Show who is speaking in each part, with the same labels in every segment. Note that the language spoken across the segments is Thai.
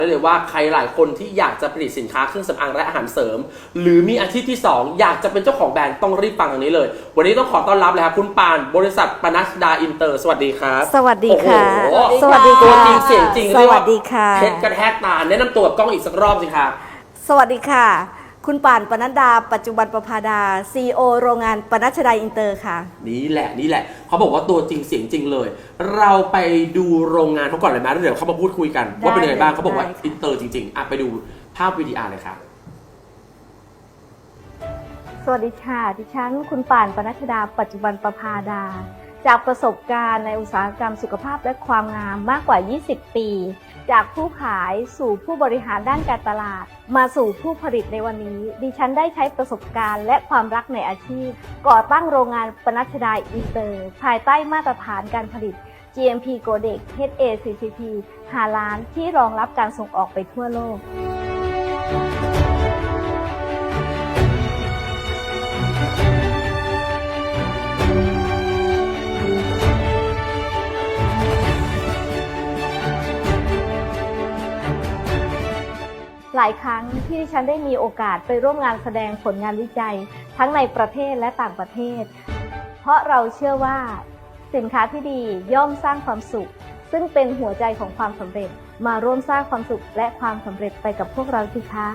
Speaker 1: เลยว่าใครหลายคนที่อยากจะผลิตสินค้าเครื่องสำอางและอาหารเสริมหรือมีอาชีพที่2อยากจะเป็นเจ้าของแบรนด์ต้องรีบฟังทางนี้เลยวันนี้ต้องขอต้อนรับเลยครับคุณปานบริษัทปนัสดาอินเตอร์สวัสดีครับ
Speaker 2: สวัสดีค่ะ
Speaker 1: สวัสดีตัวจริงเสียงจริง
Speaker 2: สวัสดีค่ะ
Speaker 1: เพชรกระแทกตาแนะนำตัวกับกล้องอีกสักรอบสิครับ
Speaker 2: สวัสดีค่ะคุณป่านปนัดดาปัจจุบันประภาดา CEO โรงงานปนัสดาอินเตอร์ค่ะ
Speaker 1: นี่แหละเขาบอกว่าตัวจริงเสียงจริงเลยเราไปดูโรงงานเขาก่อนเลยไหมแล้วเดี๋ยวเขามาพูดคุยกันว่าเป็นยังไงบ้างเขาบอกว่าอินเตอร์จริงๆไปดูภาพวิดีอาร์เลยครับ
Speaker 2: สวัสดีค่ะดิฉันคุณป่านปนัสดาปัจจุบันประภาดาจากประสบการณ์ในอุตสาหกรรมสุขภาพและความงามมากกว่า20ปีจากผู้ขายสู่ผู้บริหารด้านการตลาดมาสู่ผู้ผลิตในวันนี้ดิฉันได้ใช้ประสบการณ์และความรักในอาชีพก่อตั้งโรงงานปนัสดาอินเตอร์ภายใต้มาตรฐานการผลิต GMP Codex HACCP 5 ล้านที่รองรับการส่งออกไปทั่วโลกหลายครั้งที่ดิฉันได้มีโอกาสไปร่วมงานแสดงผลงานวิจัยทั้งในประเทศและต่างประเทศเพราะเราเชื่อว่าสินค้าที่ดีย่อมสร้างความสุขซึ่งเป็นหัวใจของความสำเร็จมาร่วมสร้างความสุขและความสำเร็จไปกับพวกเราสิคะ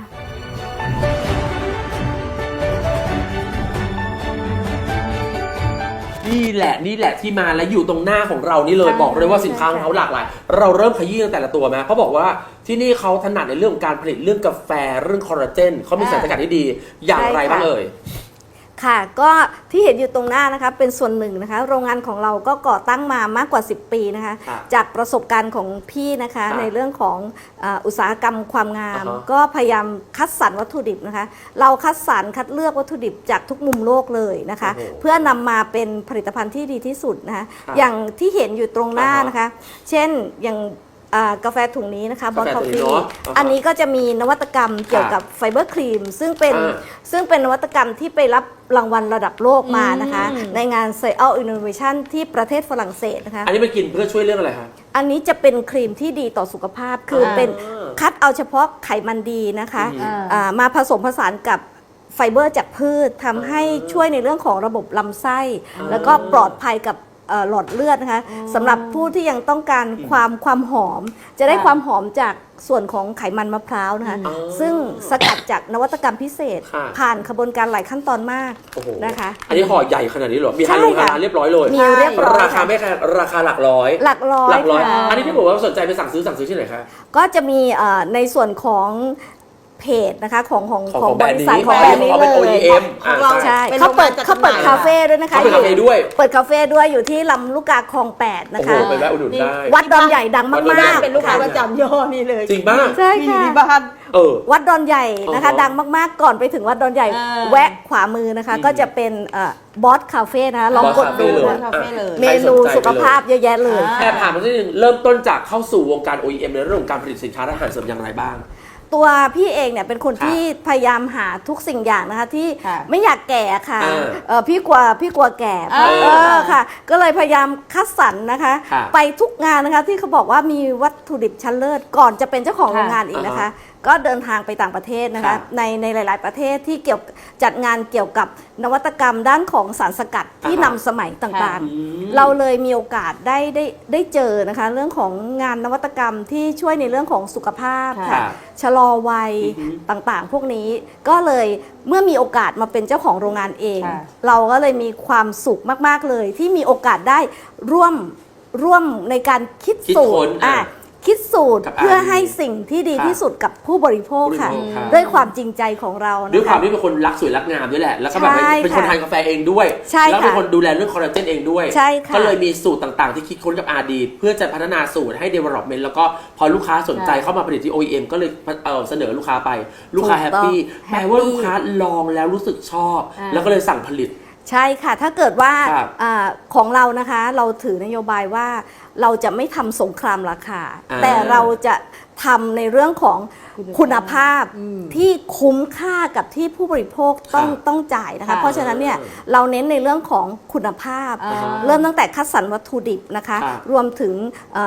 Speaker 1: นี่แหละที่มาและอยู่ตรงหน้าของเรานี่เลยบอกเลยว่าสินค้าของเขาหลากหลายเราเริ่มขยี้ตั้งแต่ละตัวไหมเขาบอกว่าที่นี่เขาถนัดในเรื่องการผลิตเรื่องกาแฟเรื่องคอลลาเจนเขามีสารสกัดที่ดีอย่างไรบ้างเอ่ย
Speaker 2: ค่ะก็ที่เห็นอยู่ตรงหน้านะคะเป็นส่วนหนึ่งนะคะโรงงานของเราก็ก่อตั้งมามากกว่า10ปีนะคะจากประสบการณ์ของพี่นะคะในเรื่องของอุตสาหกรรมความงามก็พยายามคัดสรรวัตถุดิบนะคะเราคัดสรรคัดเลือกวัตถุดิบจากทุกมุมโลกเลยนะคะเพื่อนำมาเป็นผลิตภัณฑ์ที่ดีที่สุดนะคะอย่างที่เห็นอยู่ตรงหน้านะคะเช่นอย่างกาแฟถุงนี้นะคะบอสคอฟฟี่อันนี้ก็จะมีนวัตกรรมเกี่ยวกับไฟเบอร์ครีมซึ่งเป็นนวัตกรรมที่ไปรับรางวัลระดับโลกมานะคะในงาน Social Innovation ที่ประเทศฝรั่งเศสนะคะ
Speaker 1: อันนี้มันกินเพื่อช่วยเรื่องอะไรคะ
Speaker 2: อันนี้จะเป็นครีมที่ดีต่อสุขภาพคือเป็นคัดเอาเฉพาะไขมันดีนะคะมาผสมผสานกับไฟเบอร์จากพืชทำให้ช่วยในเรื่องของระบบลำไส้แล้วก็ปลอดภัยกับหลอดเลือดนะคะสำหรับผู้ที่ยังต้องการความหอมจะได้ความหอมจากส่วนของไขมันมะพร้าวนะคะซึ่งสกัดจากนวัตกรรมพิเศษผ่านกระบวนการหลายขั้นตอนมากนะคะ
Speaker 1: อันนี้ห่อใหญ่ขนาดนี้เหรอมีฮาลูเรียบร้อยเลย
Speaker 2: มีเรียบร้อย
Speaker 1: ราคาไม่แค่ราคาหลักร้อยอันนี้ที่บอกว่าสนใจไปสั่งซื้อที่ไหนคะ
Speaker 2: ก็จะมีในส่วนของเพจนะคะของ
Speaker 1: บริษัท
Speaker 2: ของแบรนด์นี้เลยใช่เขาเปิดคาเฟ่ด้วยนะคะ
Speaker 1: เปิดคาเฟ่
Speaker 2: ด้วยอยู่ที่ลำลูกกาคลอง8นะคะ
Speaker 1: ไปแวะอุดหนุนได้
Speaker 2: วัดดอนใหญ่ดังมาก
Speaker 3: ๆเป็นลูกค้าประจำย่อนี่เลย
Speaker 1: จริงป่ะ
Speaker 2: ใช่ค่ะ
Speaker 3: ที่บ้าน
Speaker 2: วัดดอนใหญ่นะคะดังมากๆก่อนไปถึงวัดดอนใหญ่แวะขวามือนะคะก็จะเป็นบอสคาเฟ่นะคะลองกดดูเมนูสุขภาพเยอะแยะเลย
Speaker 1: แอบถามมาที่นึงเริ่มต้นจากเข้าสู่วงการ OEM ในเรื่องของการผลิตสินค้าและอาหารเสริมอย่างไรบ้าง
Speaker 2: ตัวพี่เองเนี่ยเป็นคนที่พยายามหาทุกสิ่งอย่างนะคะที่ไม่อยากแก่ค่ะพี่กลัวแก่ค่ะก็เลยพยายามคัดสรรนะคะไปทุกงานนะคะที่เขาบอกว่ามีวัตถุดิบชั้นเลิศก่อนจะเป็นเจ้าของโรงงานอีกนะคะก็เดินทางไปต่างประเทศนะคะในหลายๆประเทศที่จัดงานเกี่ยวกับนวัตกรรมด้านของสารสกัดที่นำสมัยต่างๆเราเลยมีโอกาสได้เจอนะคะเรื่องของงานนวัตกรรมที่ช่วยในเรื่องของสุขภาพค่ะชะลอวัยต่างๆพวกนี้ก็เลยเมื่อมีโอกาสมาเป็นเจ้าของโรงงานเองเราก็เลยมีความสุขมากๆเลยที่มีโอกาสได้ร่วมในการคิดสูตรคิดสูตรเพื่อให้สิ่งที่ดีที่สุดกับผู้บริโภคค่ะด้วยความจริงใจของเรา
Speaker 1: ด้วยความที่เป็นคนรักสวยรักงามด้วยแหละแล้วก็แบบเป็นคนทานกาแฟเองด้วยแล้วเป็นคนดูแลเรื่องคอลลาเจนเองด้วยก็เลยมีสูตรต่างๆที่คิดค้นกับRDเพื่อจะพัฒนาสูตรให้ development แล้วก็พอลูกค้าสนใจเข้ามาผลิตที่ OEM ก็เลยเสนอลูกค้าไปลูกค้าแฮปปี้แปลว่าลูกค้าลองแล้วรู้สึกชอบแล้วก็เลยสั่งผลิต
Speaker 2: ใช่ค่ะถ้าเกิดว่าของเรานะคะเราถือนโยบายว่าเราจะไม่ทำสงครามราคาแต่เราจะทำในเรื่องของคุณภาพที่คุ้มค่ากับที่ผู้บริโภคต้องจ่ายนะคะเพราะฉะนั้นเนี่ยเราเน้นในเรื่องของคุณภาพเริ่มตั้งแต่คัดสรรวัตถุดิบนะคะรวมถึง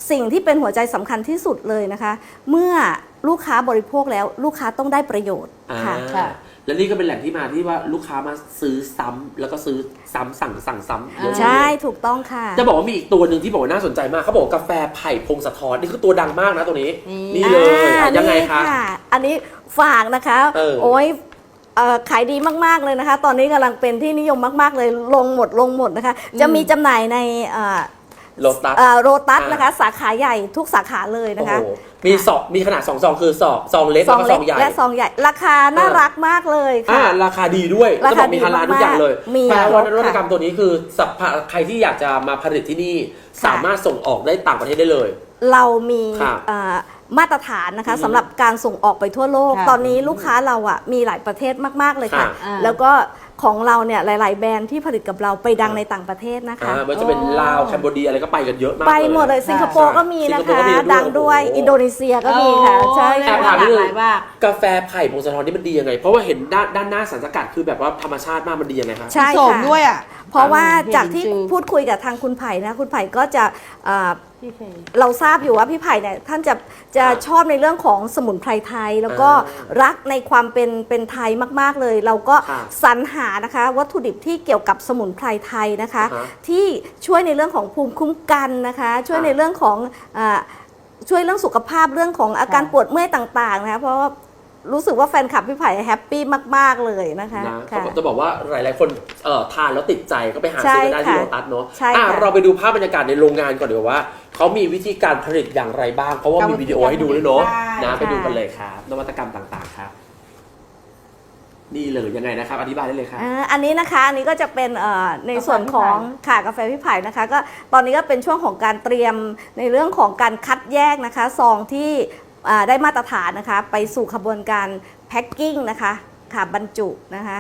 Speaker 2: สิ่งที่เป็นหัวใจสำคัญที่สุดเลยนะคะ เมื่อลูกค้าบริโภคแล้วลูกค้าต้องได้ประโยชน์ค่ะ
Speaker 1: และนี่ก็เป็นแหล่งที่มาที่ว่าลูกค้ามาซื้อซ้ำแล้วก็ซื้อซ้ำสั่งซ้ำ
Speaker 2: ใช่ถูกต้องค่ะ
Speaker 1: จะบอกว่ามีอีกตัวหนึ่งที่บอกว่าน่าสนใจมากเขาบอกกาแฟไผ่พงศธรนี่คือตัวดังมากนะตัวนี้นี่เลยยังไงคะ
Speaker 2: อันนี้ฝากนะคะโอ้ยขายดีมากๆเลยนะคะ ตอนนี้กำลังเป็นที่นิยมมากๆเลยลงหมดนะคะจะมีจำหน่ายใน
Speaker 1: โ
Speaker 2: รตัสนะคะสาขาใหญ่ทุกสาขาเลยนะคะ
Speaker 1: มีขนาด2 ซองคือซองเล็กแล้วก็ซองใหญ่
Speaker 2: และซองใหญ่ราคาน่ารักมากเลยค่ะ
Speaker 1: ราคาดีด้วยจะบอกมีฮาลาลทุกอย่างเลยแปลว่านวัตกรรมตัวนี้คือใครที่อยากจะมาผลิตที่นี่สามารถส่งออกได้ต่างประเทศได้เลย
Speaker 2: เรามีมาตรฐานนะคะสำหรับการส่งออกไปทั่วโลกตอนนี้ลูกค้าเราอ่ะมีหลายประเทศมากๆเลยค่ะแล้วก็ของเราเนี่ยหลายๆแบรนด์ที่ผลิตกับเราไปดังในต่างประเทศนะคะ
Speaker 1: มันจะเป็นลาวแคนเบเดียอะไรก็ไปกันเยอะมาก
Speaker 2: ไปหมดเลยสิงคโปร์ก็มีนะคะดังด้วยอินโดนีเซียก็มีค่ะใช่
Speaker 1: ค่ะถามนิดนึงกาแฟไผ่พงศธรนี่มันดียังไงเพราะว่าเห็นด้านหน้าสารสกัดคือแบบว่าธรรมชาติมากมันดียังไงคะ
Speaker 2: ใช่ค่ะด้วยอ่ะเพราะว่าจากที่พูดคุยกับทางคุณไผ่นะคุณไผ่ก็จะเราทราบอยู่ว่าพี่ไผ่เนี่ยท่านจะชอบในเรื่องของสมุนไพรไทยแล้วก็รักในความเป็นไทยมากๆเลยเราก็สรรหานะคะวัตถุดิบที่เกี่ยวกับสมุนไพรไทยนะคะที่ช่วยในเรื่องของภูมิคุ้มกันนะคะช่วยในเรื่องของช่วยเรื่องสุขภาพเรื่องของอาการปวดเมื่อยต่างๆนะคะเพราะว่ารู้สึกว่าแฟนคลับพี่ไผ่แฮปปี้มากๆเลยนะคะ
Speaker 1: จะบอกว่าหลายๆคนทานแล้วติดใจก็ไปหาซื้อได้ที่โลตัสเนาะเราไปดูภาพบรรยากาศในโรงงานก่อนเดี๋ยวว่าเขามีวิธีการผลิตอย่างไรบ้างเพราะว่ามีวิดีโอให้ดูด้วยเนาะนะไปดูกันเลยครับนวัตกรรมต่างๆครับนี่เลยยังไงนะครับอธิบายได้เลยครับ
Speaker 2: อันนี้นะคะอันนี้ก็จะเป็นในส่วนของกาแฟพี่ไผ่นะคะก็ตอนนี้ก็เป็นช่วงของการเตรียมในเรื่องของการคัดแยกนะคะซองที่ได้มาตรฐานนะคะไปสู่ขบวนการแพ็คกิ้งนะคะค่ะบรรจุนะคะ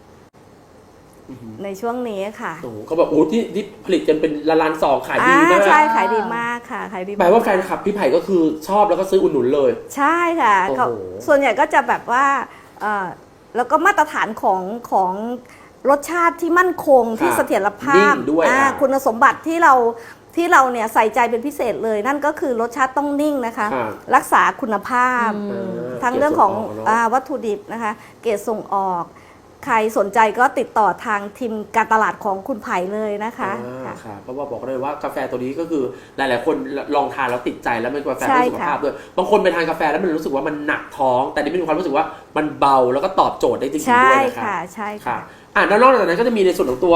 Speaker 2: ในช่วงนี้ค่ะ
Speaker 1: เขาบอกโอ้ที่ผลิตกันเป็นล้านซองขายดีมาก
Speaker 2: ใช่ขายดีมากค่ะขายดี
Speaker 1: แปลว่าแฟนคลับพี่ไผ่ก็คือชอบแล้วก็ซื้ออุดหนุนเลย
Speaker 2: ใช่ค่ะส่วนใหญ่ก็จะแบบว่าแล้วก็มาตรฐานของรสชาติที่มั่นคงที่เสถียรภาพคุณสมบัติที่เราเนี่ยใส่ใจเป็นพิเศษเลยนั่นก็คือรสชาติต้องนิ่งนะคะรักษาคุณภาพทั้งเรื่องของวัตถุดิบนะคะเกรดส่งออกใครสนใจก็ติดต่อทางทีมการตลาดของคุณไผ่เลยนะคะ
Speaker 1: เพราะว่าบอกเลยว่ากาแฟตัวนี้ก็คือหลายๆคนลองทานแล้วติดใจแล้วเป็นกาแฟเพื่อสุขภาพด้วยบางคนไปทานกาแฟแล้วมันรู้สึกว่ามันหนักท้องแต่นี่มีความรู้สึกว่ามันเบาแล้วก็ตอบโจทย์ได้จริงๆด้วยนะคะ
Speaker 2: ใช่ค่ะ
Speaker 1: แล้วนอกจากนั้นก็จะมีในส่วนของตัว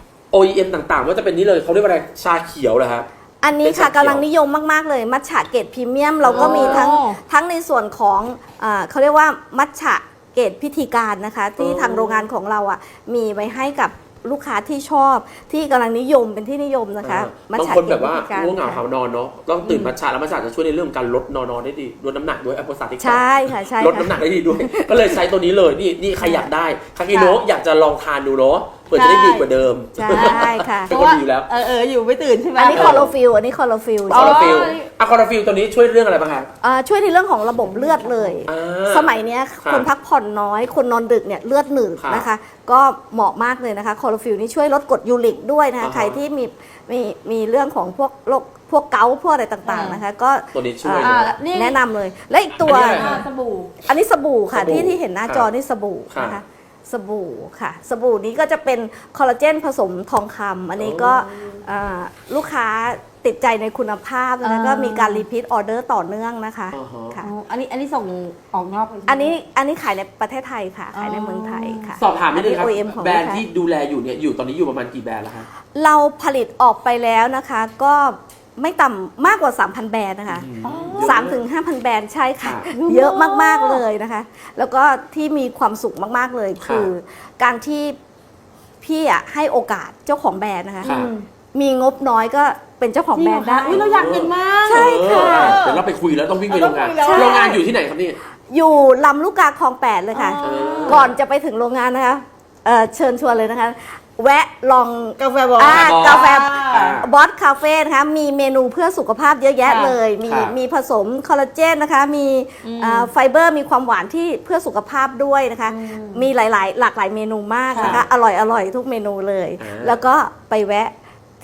Speaker 1: OEM ต่างๆว่าจะเป็นนี้เลยเขาเรียกว่าอะไรชาเขียวเหรอครับ
Speaker 2: อันนี้ค่ะกำลังนิยมมากๆเลยมัทฉะเกรดพรีเมียมเราก็มีทั้งในส่วนของเขาเรียกว่ามัทฉะเกรดพิธีการนะคะที่ทางโรงงานของเรามีไว้ให้กับลูกค้าที่ชอบที่กำลังนิยมเป็นที่นิยมนะคะ
Speaker 1: บางคนแบบว่าง่วงเหงาหานอนเนาะต้องตื่นมัทฉะแล้วมัทฉะจะช่วยในเรื่องการลดนอนได้ดีลดน้ำหนักด้วยแอปเปิลซาติก
Speaker 2: ใช่ค่ะใช่
Speaker 1: ลดน้ำหนักได้ดีด้วยก็เลยใช้ตัวนี้เลยนี่ใครอยากได้คากิโนะอยากจะลองทานดูเนาะเพื่อจะได้ดีกว่าเดิม
Speaker 2: ใช่ค่ะ
Speaker 1: เป็นคนดีอยู่แล้ว
Speaker 3: อยู่ไม่ตื่นใช่ไหม
Speaker 2: อันนี้คอโรฟิลคอโรฟิล
Speaker 1: คอโรฟิลตัวนี้ช่วยเรื่องอะไรบ้างคะ
Speaker 2: ช่วยในเรื่องของระบบเลือดเลยสมัยนี้คนพักผ่อนน้อยคนนอนดึกเนี่ยเลือดหนืดนะคะก็เหมาะมากเลยนะคะคอโรฟิลนี่ช่วยลดกรดยูริกด้วยนะคะใครที่มีเรื่องของพวกเกาต์พวกอะไรต่างๆนะคะก็
Speaker 1: ตัวนี้ช่วย
Speaker 2: แนะนำเลยและอีกตัว
Speaker 3: สบู่
Speaker 2: อันนี้สบู่ค่ะที่เห็นหน้าจอนี่สบู่นะคะสบู่ค่ะสบู่นี้ก็จะเป็นคอลลาเจนผสมทองคำอันนี้ก็ลูกค้าติดใจในคุณภาพแล้วก็มีการรีพีทออเดอร์ต่อเนื่องนะคะ
Speaker 3: ค่ะอันนี้ส่งออกนอก
Speaker 2: อันนี้ขายในประเทศไทยค่ะขายในเมืองไทยค่ะ
Speaker 1: สอบถามนิดนึงครับแบรนด์ที่ดูแลอยู่เนี่ยตอนนี้อยู่ประมาณกี่แบรนด์แล้วคะ
Speaker 2: เราผลิตออกไปแล้วนะคะก็ไม่ต่ำมากกว่า 3,000 แบรนด์นะคะ3-5,000 แบรนด์ใช่ค่ะเยอะมากๆเลยนะคะแล้วก็ที่มีความสุขมากๆเลยคือการที่พี่ให้โอกาสเจ้าของแบรนด์นะคะมีงบน้อยก็เป็นเจ้าของแบรนด์ได้
Speaker 3: เราอยากเห็นมาก
Speaker 2: ใช่ค่ะ
Speaker 1: เดี๋ยวเราไปคุยแล้วต้องวิ่งไปโรงงานอยู่ที่ไหนครับนี่
Speaker 2: อยู่ลำลูกกาคลอง 8เลยค่ะก่อนจะไปถึงโรงงานนะคะเชิญชวนเลยนะคะแวะลอง
Speaker 3: กาแฟบอ
Speaker 2: สคาเฟ่นะคะมีเมนูเพื่อสุขภาพเยอะแยะเลยมีผสมคอลลาเจนนะคะมีไฟเบอร์มีความหวานที่เพื่อสุขภาพด้วยนะคะมีหลากหลายเมนูมากนะคะอร่อยทุกเมนูเลยแล้วก็ไปแวะ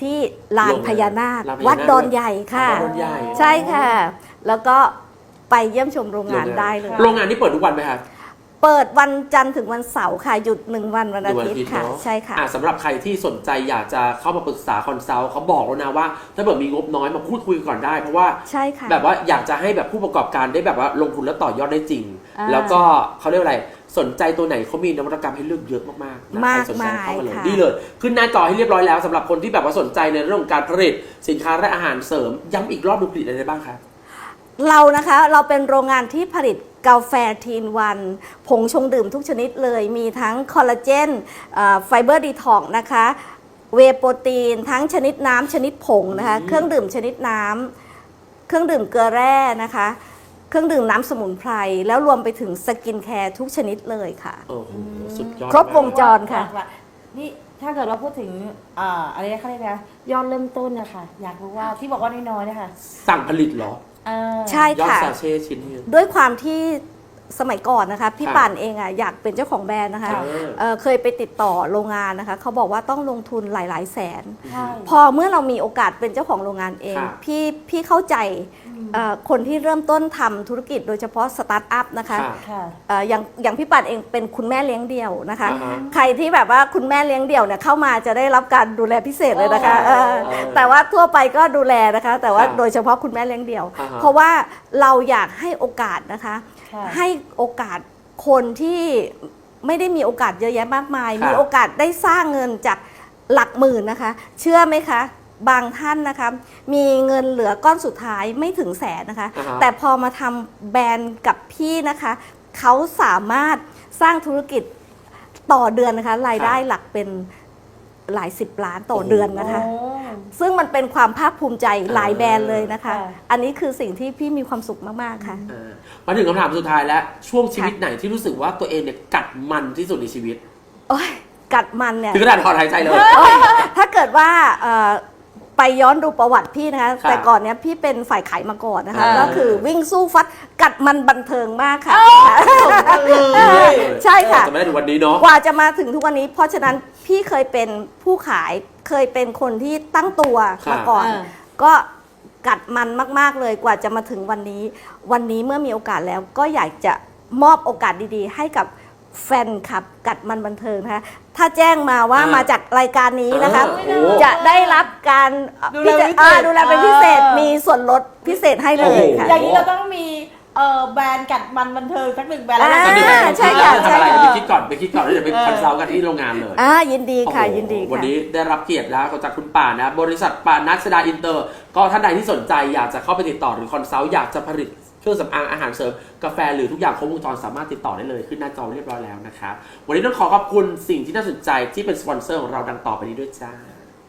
Speaker 2: ที่ลานพญานาค
Speaker 1: ลานพญานาค
Speaker 2: วัดดอนใหญ่ค่ะ
Speaker 1: วัดดอนใหญ่
Speaker 2: ใช่ค่ะ แล้วก็ไปเยี่ยมชมโรงงานได้เลย
Speaker 1: โรงงานนี่เปิดทุกวันไหมครับ
Speaker 2: เปิดวันจันทร์ถึงวันเสาร์ค่ะ หยุด1 วันวันอาทิตย์ค่ะ
Speaker 1: เนอะ
Speaker 2: ใช่ค่ะ
Speaker 1: สำหรับใครที่สนใจอยากจะเข้ามาปรึกษาคอนซัลท์เขาบอกแล้วนะว่า ถ้าเกิดมีงบน้อยมาพูดคุยก่อนได้ เพราะว่า
Speaker 2: ใช่ค่ะ
Speaker 1: แบบว่าอยากจะให้แบบผู้ประกอบการได้แบบว่าลงทุนแล้วต่อยอดได้จริง แล้วก็เขาเรียกว่าอะไรสนใจตัวไหนเขามีนวัตกรรมให้เลือกเยอะมากๆนะใครสนใจเข้ามาเลย
Speaker 2: ค่ะ
Speaker 1: ดีเลยขึ้นหน้าจอให้เรียบร้อยแล้วสำหรับคนที่แบบว่าสนใจในเรื่องของการผลิตสินค้าและอาหารเสริมย้ำอีกรอบดูผลิตอะไรได้บ้างครับ
Speaker 2: เรานะคะเราเป็นโรงงานที่ผลิตกาแฟทีนวันผงชงดื่มทุกชนิดเลยมีทั้งคอลลาเจนไฟเบอร์ดีท็อกนะคะเวย์โปรตีนทั้งชนิดน้ำชนิดผงนะคะเครื่องดื่มชนิดน้ำเครื่องดื่มเกลือแร่นะคะเครื่องดื่มน้ำสมุนไพรแล้วรวมไปถึงสกินแคร์ทุกชนิดเลยค่ะ
Speaker 1: โอ้โหสุดยอด
Speaker 2: ครบวงจร
Speaker 1: มาก
Speaker 2: ค่ะ
Speaker 3: นี่ถ้าเกิดเราพูดถึงอะไรเขาเรียกนะยอดเริ่มต้นนะคะอยากรู้ว่าที่บอกว่าน้อยๆนะคะ
Speaker 1: สั่งผลิตเหรอ
Speaker 2: ใช่
Speaker 1: ยอด
Speaker 2: ค่ะ
Speaker 1: ซาเช่ชิ้นนี้
Speaker 2: ด้วยความที่สมัยก่อนนะคะพี่
Speaker 1: ครับ
Speaker 2: ป่านเองอ่ะอยากเป็นเจ้าของแบรนด์นะคะ เคยไปติดต่อโรงงานนะคะเขาบอกว่าต้องลงทุนหลายๆแสน
Speaker 3: ใช่
Speaker 2: พอเมื่อเรามีโอกาสเป็นเจ้าของโรงงานเอง
Speaker 1: ครับ
Speaker 2: พี่เข้าใจคนที่เริ่มต้นทำธุรกิจโดยเฉพาะสตาร์ทอัพนะคะ
Speaker 1: ค่ะ
Speaker 3: ค่ะ
Speaker 2: อย่างพี่ปัดเองเป็นคุณแม่เลี้ยงเดี่ยวนะคะ
Speaker 1: อ่าฮะ
Speaker 2: ใครที่แบบว่าคุณแม่เลี้ยงเดี่ยวเนี่ยเข้ามาจะได้รับการดูแลพิเศษเลยนะคะ
Speaker 3: โอ้
Speaker 2: แต่ว่าทั่วไปก็ดูแลนะคะ แต่ว่า
Speaker 1: ครับ
Speaker 2: โดยเฉพาะคุณแม่เลี้ยงเดี่ยว
Speaker 1: อ่าฮะ
Speaker 2: เพราะว่าเราอยากให้โอกาสนะคะ
Speaker 3: ค่ะ
Speaker 2: ให้โอกาสคนที่ไม่ได้มีโอกาสเยอะแยะมากมาย
Speaker 1: ครับ
Speaker 2: มีโอกาสได้สร้างเงินจากหลักหมื่นนะคะ เชื่อไหมคะ บางท่านนะคะมีเงินเหลือก้อนสุดท้ายไม่ถึงแสนนะคะ
Speaker 1: อ่าฮะ
Speaker 2: แต่พอมาทำแบรนด์กับพี่นะคะ เขาสามารถสร้างธุรกิจต่อเดือนนะคะ รายได้หลักเป็นหลาย10 ล้านต่อเดือนนะคะ
Speaker 3: โอ้
Speaker 2: ซึ่งมันเป็นความภาคภูมิใจหลายแบรนด์เลยนะคะ
Speaker 3: ค่ะ
Speaker 2: อันนี้คือสิ่งที่พี่มีความสุขมากๆค่ะ
Speaker 1: มาถึงคำถามสุดท้ายแล้ว ช่วงชีวิตไหนที่รู้สึกว่าตัวเองเนี่ยกัดมันที่สุดในชีวิต
Speaker 2: โอ๊ยกัดมันเนี่ย
Speaker 1: ถึงขนาดถอนหายใจเลย
Speaker 2: ถ้าเกิดว่าไปย้อนดูประวัติพี่นะคะ
Speaker 1: ครับ
Speaker 2: แต่ก่อนเนี้ยพี่เป็นฝ่ายขายมาก่อนนะคะ
Speaker 1: อ่า
Speaker 2: ก็คือวิ่งสู้ฟัดกัดมันบันเทิงมากค่ะ ใช่ค่ะ
Speaker 1: จะไม่ได้ถึงวันนี้เนาะ
Speaker 2: กว่าจะมาถึงทุกวันนี้ เพราะฉะนั้นพี่เคยเป็นผู้ขายเคยเป็นคนที่ตั้งตัวมาก่อน ก็กัดมันมากๆเลยกว่าจะมาถึงวันนี้ วันนี้เมื่อมีโอกาสแล้วก็อยากจะมอบโอกาสดีๆ ให้กับแฟนคลับกัดมันบันเทิงนะคะถ้าแจ้งมาว่ามาจากรายการนี้นะคะ
Speaker 1: โอ้
Speaker 2: จะได้รับการ
Speaker 3: ดูแลพิเศษ
Speaker 2: ดูแลเป็นพิเศษมีส่วนลดพิเศษให้เลยค่ะ
Speaker 3: อย่างนี้เราต้องมีแบรนด์กัดมันบันเทิงสักหนึ่งแบรนด์แล้ว
Speaker 2: อ่า
Speaker 3: นะ
Speaker 2: ใช่ค่ะ
Speaker 1: ทำอะไรไปคิดก่อนแล้วเดี๋ยวไปคอนซัลท์กันที่โรงงานเลย
Speaker 2: ยินดีค่ะ
Speaker 1: โอ้โห
Speaker 2: ยินดี
Speaker 1: วัน
Speaker 2: ค่ะ
Speaker 1: นี้ได้รับเกียรติแล้วจากคุณป่านะ บริษัทป่านัสดาอินเตอร์ ก็ท่านใดที่สนใจอยากจะเข้าไปติดต่อหรือคอนซัลท์อยากจะผลิตเครื่องสำอางอาหารเสริมกาแฟหรือทุกอย่างครบวงจรสามารถติดต่อได้เลยขึ้นหน้าจอเรียบร้อยแล้วนะครับวันนี้ต้องขอขอบคุณสิ่งที่น่าสนใจที่เป็นสปอนเซอร์ของเราดังต่อไปนี้ด้วยจ้า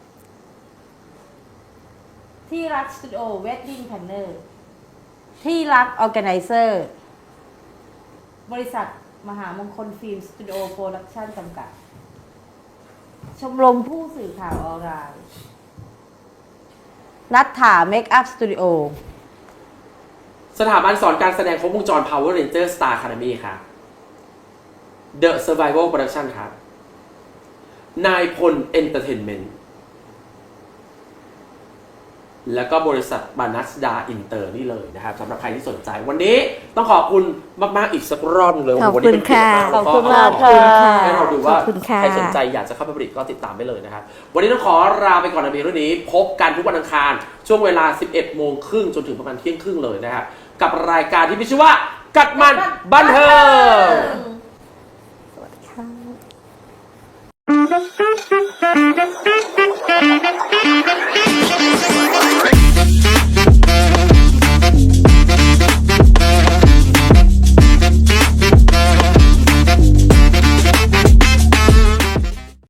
Speaker 3: ที่รักสตูดิโอเวดดิ้งแพนเนอร์ที่รักออแกไนเซอร์บริษัทมหามงคลฟิล์มสตูดิโอโปรดักชั่นจำกัด ชมรมผู้สื่อข่าวออนไลน์นัทถาเมคอัพสตูดิโอ
Speaker 1: สถาบันสอนการแสดงครบวงจร Power Ranger Star Academy ครับ The Survival Production ครับ นายพล Entertainment แล้วก็บริษัทบานัสดาอินเตอร์นี่เลยนะครับสำหรับใครที่สนใจ วันนี้ต้องขอบคุณมาก ๆ อีกสักรอบหนึ่งเลย
Speaker 2: ขอบคุณ
Speaker 1: วันนี้เป็นเกียรติมาก
Speaker 2: ค่ะ
Speaker 1: แล้วก็
Speaker 3: ขอบคุณมาก
Speaker 1: ขอบณ
Speaker 3: ค่ะ
Speaker 1: ให้เราดูว่า
Speaker 2: ขอบคุณค่ะ
Speaker 1: ใครสนใจอยากจะเข้าไปผลิตก็ติดตามได้เลยนะครับ วันนี้ต้องขอลาไปก่อนในเรื่องนี้ พบกันทุกวันอังคาร ช่วงเวลา 11 โมงครึ่งจนถึงประมาณเที่ยงครึ่งเลยนะครับกับรายการที่มีชื่อว่ากัดมันบันเทิง
Speaker 2: สวัสดีค่ะ
Speaker 4: Thank you.